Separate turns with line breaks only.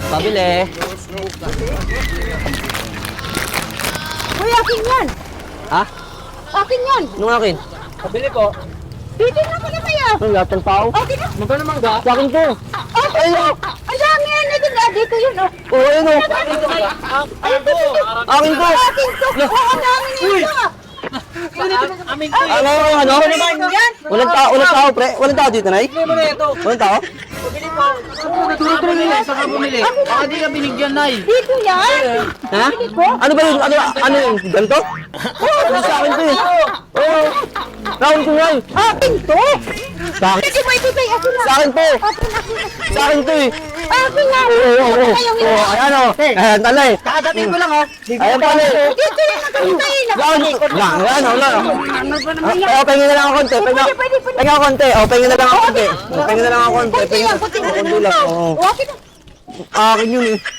Pabili.
Uy, akin yan.
Ha?
Akin yan.
Anong akin?
Pabili po.
Bibili na ko na kayo.
Anong lahat ng tao?
Okay na.
Magkano mangga?
Sa akin to.
Okay na. Ang dami yan. Dito yun. Oh.
Oo, ayun o.
Ayun to.
Akin to.
Akin to. Oo, ang dami nito.
Amin ko.
Ano?
Yan.
Walang tao, pre. Walang tao dito, Nay?
Bili mo na ito.
Walang tao?
Pabili po. Saan ka bumili? Baka di ka binigyan, Nay.
Dito yan.
Ha? Ano ba yun? Ano yun? Ganito? Oo, sa akin to eh. Oo. Round ko yan.
Akin to.
Sa akin.
Pwede ba ibibay? Akin na.
Sa akin to.
Akin.
Sa akin to eh.
Akin na.
Oo. Ayan o. Ayan, talay.
Kakadating ko lang, oh.
Ayan, talay.
Dito yan. Nakakitayin.
Yan, wala.
Ano ba naman yan?
Pahingin na lang ako konti. Pahingin ako konti. Pahingin na lang ako konti. Pahingin na lang ako konti.
Kunti lang.
Konti lang. Oo.
Akin na.
Akin yun eh.